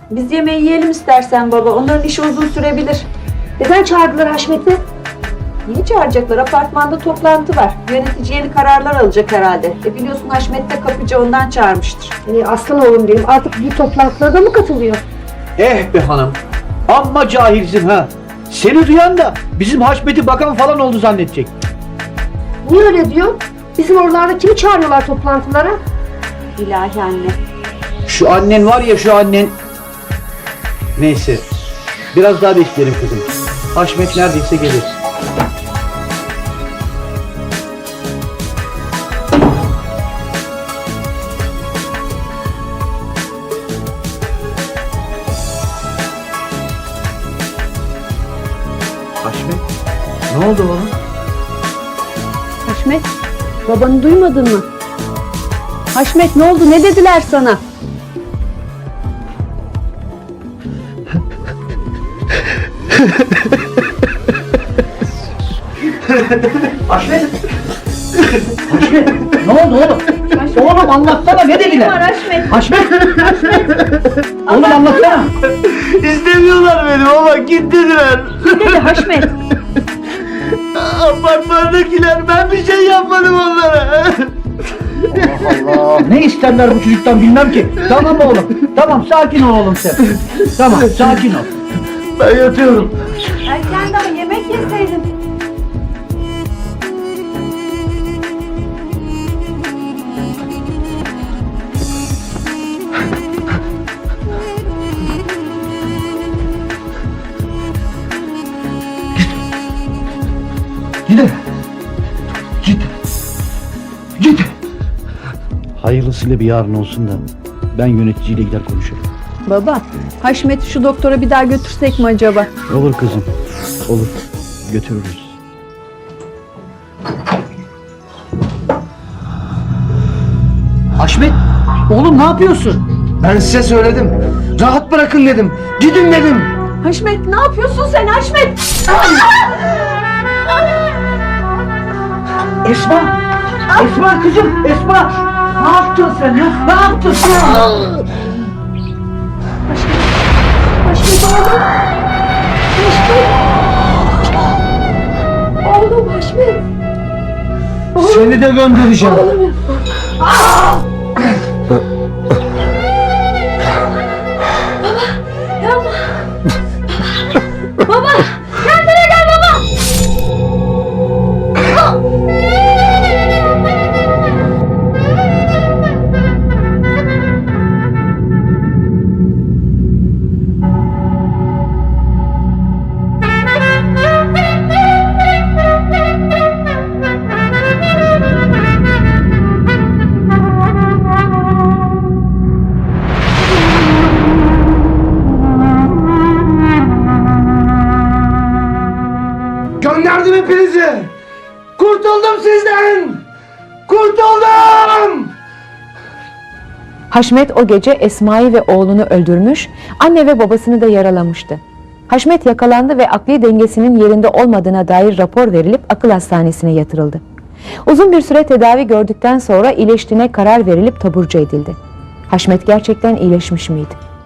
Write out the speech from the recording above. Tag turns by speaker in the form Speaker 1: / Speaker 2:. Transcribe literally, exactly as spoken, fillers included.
Speaker 1: Biz yemeği yiyelim istersen baba. Onların işi uzun sürebilir.
Speaker 2: Neden çağırdılar Haşmet'i?
Speaker 1: Niye çağıracaklar? Apartmanda toplantı var. Yönetici yeni kararlar alacak herhalde. E biliyorsun Haşmet de kapıcı, ondan çağırmıştır.
Speaker 2: Ee, aslan oğlum benim artık bu toplantılara da mı katılıyor?
Speaker 3: Eh be hanım. Amma cahilsin ha. Seni duyan da bizim Haşmet'i bakan falan oldu zannedecek.
Speaker 2: Niye öyle diyor? Bizim oralarda kimi çağırıyorlar toplantılara?
Speaker 1: İlahi anne.
Speaker 3: Şu annen var ya şu annen. Neyse. Biraz daha bekleyelim kızım. Haşmet neredeyse gelir. Haşmet, ne oldu oğlum?
Speaker 1: Haşmet, babanı duymadın mı? Haşmet ne oldu? Ne dediler sana?
Speaker 3: Haşmet! Haşmet! Ne oldu oğlum?
Speaker 1: Haşmet.
Speaker 3: Oğlum anlatsana, ne dediler?
Speaker 1: Var Haşmet.
Speaker 3: Haşmet! Oğlum anlatsana!
Speaker 4: İstemiyorlar beni baba, git dediler.
Speaker 1: Ne dedi Haşmet?
Speaker 4: Apartmandakiler, ben bir şey yapmadım onlara.
Speaker 3: Allah Allah! Ne isterler bu çocuktan bilmem ki. Tamam oğlum, tamam sakin ol oğlum sen. Tamam, sakin ol.
Speaker 4: Ben yatıyorum.
Speaker 1: Erken daha yemek yeseydin.
Speaker 3: Gidin. Git. Git. Hayırlısıyla bir yarın olsun da ben yöneticiyle gider konuşurum.
Speaker 1: Baba, Haşmet'i şu doktora bir daha götürsek mi acaba?
Speaker 3: Olur kızım. Olur. Götürürüz. Haşmet! Oğlum ne yapıyorsun?
Speaker 4: Ben size söyledim. Rahat bırakın dedim. Gidin dedim.
Speaker 1: Haşmet ne yapıyorsun sen Haşmet?
Speaker 3: Esma! Esma kızım! Esma! Ne yaptın sen ya? Ne yaptın sen?
Speaker 2: Haşmet oğlum. Haşmet. Oğlum Haşmet.
Speaker 4: Seni de göndereceğim.
Speaker 2: Oğlum. Yapma. Baba, kendine gel baba.
Speaker 4: Gönderdim hepinizi. Kurtuldum sizden. Kurtuldum.
Speaker 5: Haşmet o gece Esma'yı ve oğlunu öldürmüş, anne ve babasını da yaralamıştı. Haşmet yakalandı ve akli dengesinin yerinde olmadığına dair rapor verilip akıl hastanesine yatırıldı. Uzun bir süre tedavi gördükten sonra iyileştiğine karar verilip taburcu edildi. Haşmet gerçekten iyileşmiş miydi?